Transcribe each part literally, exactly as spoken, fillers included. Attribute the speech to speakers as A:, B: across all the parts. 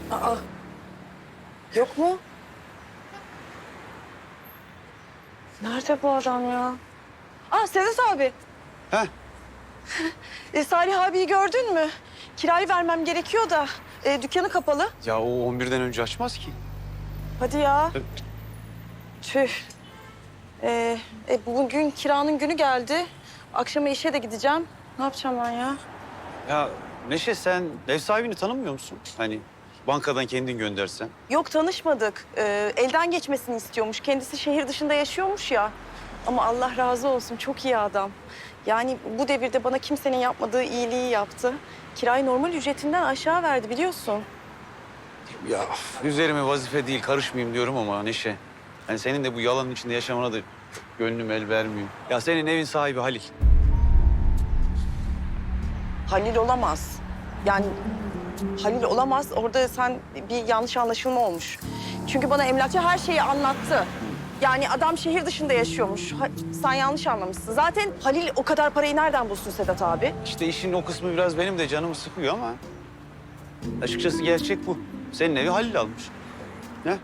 A: Aa, yok mu? Nerede bu adam ya? Aa, Sedat abi.
B: Heh.
A: E, Salih abiyi gördün mü? Kirayı vermem gerekiyor da e, dükkanı kapalı.
B: Ya o on birden önce açmaz ki.
A: Hadi ya.
B: Evet.
A: Tüh. E, e, bugün kiranın günü geldi. Akşama işe de gideceğim. Ne yapacağım ben ya?
B: Ya Neşe, sen ev sahibini tanımıyor musun? Hani bankadan kendin göndersen.
A: Yok, tanışmadık. E, elden geçmesini istiyormuş. Kendisi şehir dışında yaşıyormuş ya. Ama Allah razı olsun, çok iyi adam. Yani bu devirde bana kimsenin yapmadığı iyiliği yaptı. Kirayı normal ücretinden aşağı verdi, biliyorsun.
B: Ya üzerime vazife değil, karışmayayım diyorum ama Neşe. Hani senin de bu yalanın içinde yaşamana da gönlüm el vermiyor. Ya senin evin sahibi Halil.
A: Halil olamaz. Yani Halil olamaz. Orada sen bir yanlış anlaşılma olmuş. Çünkü bana emlakçı her şeyi anlattı. Yani adam şehir dışında yaşıyormuş. Ha, sen yanlış anlamışsın. Zaten Halil o kadar parayı nereden bulsun Sedat abi?
B: İşte işin o kısmı biraz benim de canımı sıkıyor ama... açıkçası gerçek bu. Senin evi Halil almış. Ne?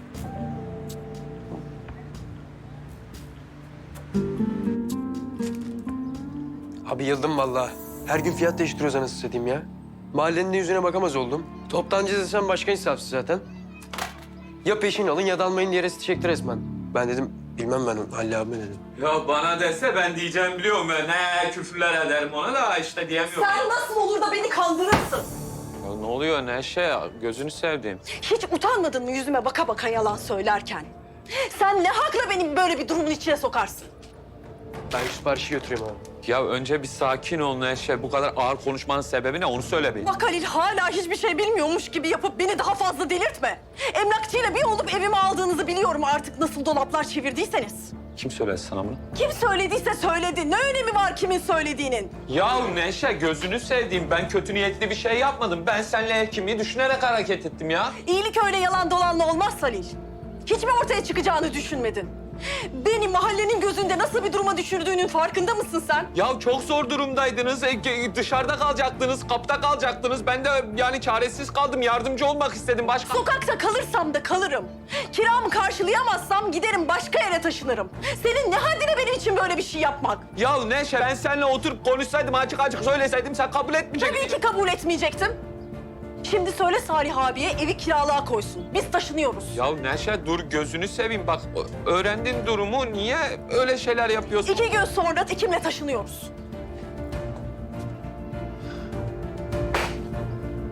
C: Abi yıldım vallahi. Her gün fiyat değiştiriyoruz anasını satayım ya. Mahallenin de yüzüne bakamaz oldum. Toptancı desem başka insafsız zaten. Ya peşin alın ya da almayın diye resti çekti resmen. Ben dedim bilmem ben onu Halil abime dedim.
D: Ya bana dese ben diyeceğim biliyorum ben. Ne küfürler ederim ona da işte diyemiyorum.
A: Sen nasıl olur da beni kandırırsın?
D: Ya ne oluyor Neşe ya? Gözünü sevdiğim.
A: Hiç utanmadın mı yüzüme baka baka yalan söylerken? Sen ne hakla beni böyle bir durumun içine sokarsın?
C: Ben şu siparişi götüreyim abi.
D: Ya önce bir sakin ol Neşe. Bu kadar ağır konuşmanın sebebi ne? Onu söyle bir.
A: Bak Halil, hala hiçbir şey bilmiyormuş gibi yapıp beni daha fazla delirtme. Emlakçıyla bir olup evime aldığınızı biliyorum artık, nasıl dolaplar çevirdiyseniz.
D: Kim söyledi sana bunu?
A: Kim söylediyse söyledi. Ne önemi var kimin söylediğinin?
D: Ya Neşe gözünü sevdiğim. Ben kötü niyetli bir şey yapmadım. Ben seninle ev kimliği düşünerek hareket ettim ya.
A: İyilik öyle yalan dolanla olmaz Halil. Hiç mi ortaya çıkacağını düşünmedin? Beni mahallenin gözünde nasıl bir duruma düşürdüğünün farkında mısın sen?
D: Ya çok zor durumdaydınız. E, ge- dışarıda kalacaktınız, kapıda kalacaktınız. Ben de yani çaresiz kaldım. Yardımcı olmak istedim başka.
A: Sokakta kalırsam da kalırım. Kiramı karşılayamazsam giderim başka yere taşınırım. Senin ne haddine benim için böyle bir şey yapmak?
D: Ya Neşe ben seninle oturup konuşsaydım, açık açık söyleseydim sen kabul etmeyecektin.
A: Tabii ki kabul etmeyecektim. Şimdi söyle Salih abiye evi kiralığa koysun. Biz taşınıyoruz.
D: Ya Neşe dur gözünü seveyim bak ö- öğrendin durumu niye öyle şeyler yapıyorsun?
A: İki gün sonra ikimle taşınıyoruz.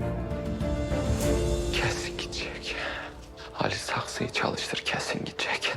D: Kesin gidecek. Ali saksıyı çalıştır kesin gidecek.